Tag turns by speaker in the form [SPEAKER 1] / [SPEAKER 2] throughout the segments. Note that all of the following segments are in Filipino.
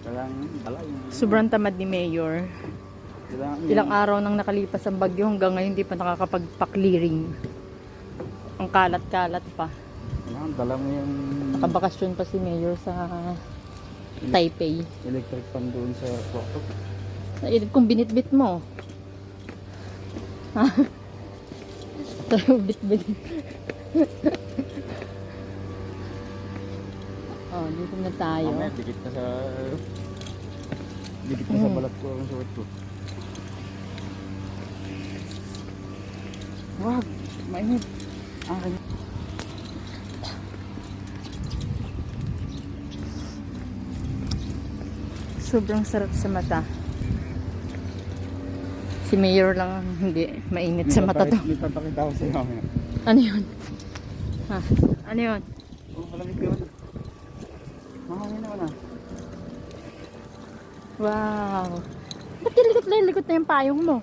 [SPEAKER 1] Sobrang tamad ni Mayor. Ilang araw nang nakalipas ang bagyo hanggang ngayon hindi pa nakakapagpa-clearing. Ang kalat-kalat pa.
[SPEAKER 2] Dala mo yung
[SPEAKER 1] Nakabakasyon pa si Mayor sa Taipei.
[SPEAKER 2] electric fan doon sa kwarto.
[SPEAKER 1] Nailip kong binitbit mo. Ha? Tayo bit-bit. Oh, dito na tayo.
[SPEAKER 2] Mamaya, dikit na sa balat ko ang suot ko. Wag, mainit.
[SPEAKER 1] Sobrang sarap sa mata. Si Mayor lang hindi mainit sa mata to.
[SPEAKER 2] May papakita ko sa'yo mamaya.
[SPEAKER 1] Ano yun? Ha? Ano yun?
[SPEAKER 2] Oh, malamig yun. Mahangin naman ah.
[SPEAKER 1] Wow. Ba't lilikot na yung payong mo?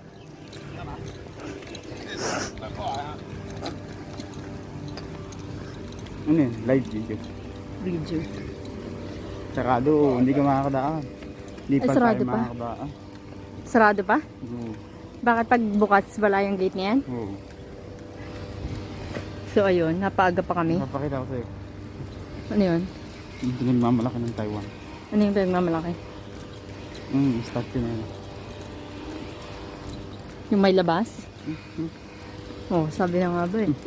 [SPEAKER 2] Ano yun? Live video.
[SPEAKER 1] Video.
[SPEAKER 2] Sarado, hindi ka makakadaan. Hindi pa
[SPEAKER 1] sarado
[SPEAKER 2] tayo
[SPEAKER 1] pa?
[SPEAKER 2] makakadaan.
[SPEAKER 1] Sarado pa?
[SPEAKER 2] Oo.
[SPEAKER 1] Bakit pag bukas wala yung gate niyan?
[SPEAKER 2] Oo.
[SPEAKER 1] So ayun, napaaga pa kami.
[SPEAKER 2] Papakita ko sa'yo.
[SPEAKER 1] Ano yun?
[SPEAKER 2] Hindi nga mamalaki ng Taiwan.
[SPEAKER 1] Ano yung pinagmamalaki?
[SPEAKER 2] Statue na yun.
[SPEAKER 1] Yung may labas? Oh, sabi na nga ba eh.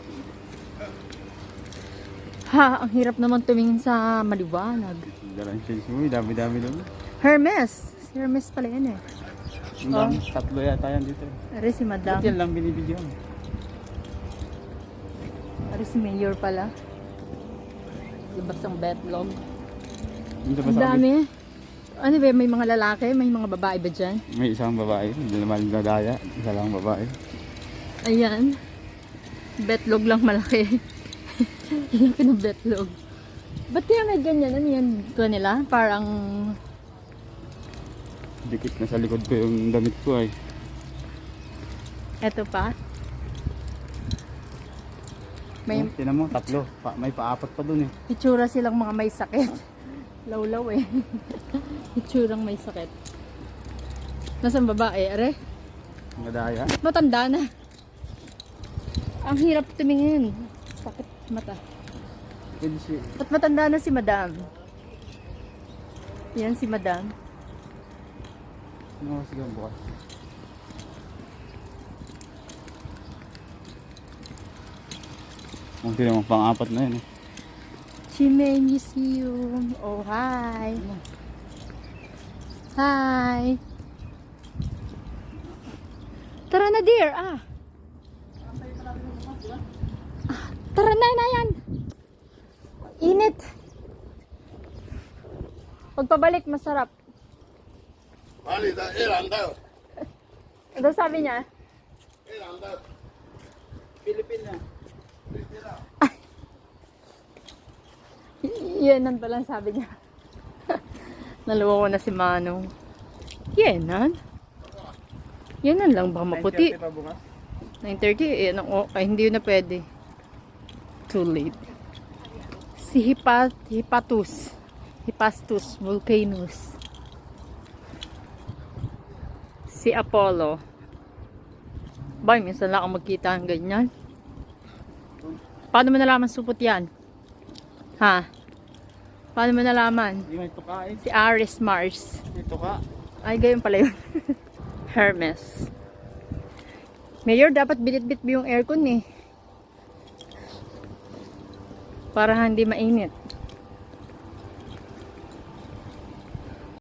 [SPEAKER 1] Ha, ang hirap naman tumingin sa maliwanag.
[SPEAKER 2] Dalang shades mo, dami-dami doon.
[SPEAKER 1] Hermes. Si Hermes pala yan eh.
[SPEAKER 2] Tatlo yata yan dito.
[SPEAKER 1] Ari si Madam.
[SPEAKER 2] Ba't yan lang binibidyo?
[SPEAKER 1] Ari si Mayor pala. Libas ang betlog.
[SPEAKER 2] Dito ba
[SPEAKER 1] Ang
[SPEAKER 2] sa
[SPEAKER 1] dami. Ano ba, may mga lalaki, may mga babae ba dyan?
[SPEAKER 2] May isang babae, hindi naman nadaya. Isa lang babae.
[SPEAKER 1] Ayan. Betlog lang malaki. Laki ng betlog. Ba't kaya may ganyan? Ano yan ko nila? Parang
[SPEAKER 2] Dikit na sa likod ko yung damit ko ay.
[SPEAKER 1] eto pa. May
[SPEAKER 2] Tinan mo, tatlo. May paapat pa dun eh.
[SPEAKER 1] itsura silang mga may sakit. Lawlaw eh. Itsurang may sakit. Nasaan babae? Are?
[SPEAKER 2] Nadaya.
[SPEAKER 1] Matanda na. Ang hirap tumingin. Sakit mata.
[SPEAKER 2] Pwede si...
[SPEAKER 1] At matanda na si Madam. Yan si Madam.
[SPEAKER 2] Ano sige bukas? Kung tinamang pang-apat na yun eh.
[SPEAKER 1] Chimay Museum. Oh, hi. Hi. Tara na, dear. Tara na yan. Init. Pagpabalik, masarap. Ano sabi niya?
[SPEAKER 2] Pilipina.
[SPEAKER 1] Yenan pa lang sabi niya. Naluwa ko na si Manong. Yenan? Yenan lang ba maputi?
[SPEAKER 2] 9:30 pa bukas?
[SPEAKER 1] 9:30 eh. Ay, hindi na pwede. Too late. Si Hipastus Volcanus. Si Apollo. Bay, minsan lang ako magkita ng ganyan. Paano mo nalaman supot yan? Ha? Paano mo nalaman?
[SPEAKER 2] Hindi may tuka eh.
[SPEAKER 1] Si Aris Mars.
[SPEAKER 2] May tuka.
[SPEAKER 1] Ay, gayon pala yun. Hermes. Mayor, dapat binit-bit mo yung aircon eh. Para hindi mainit.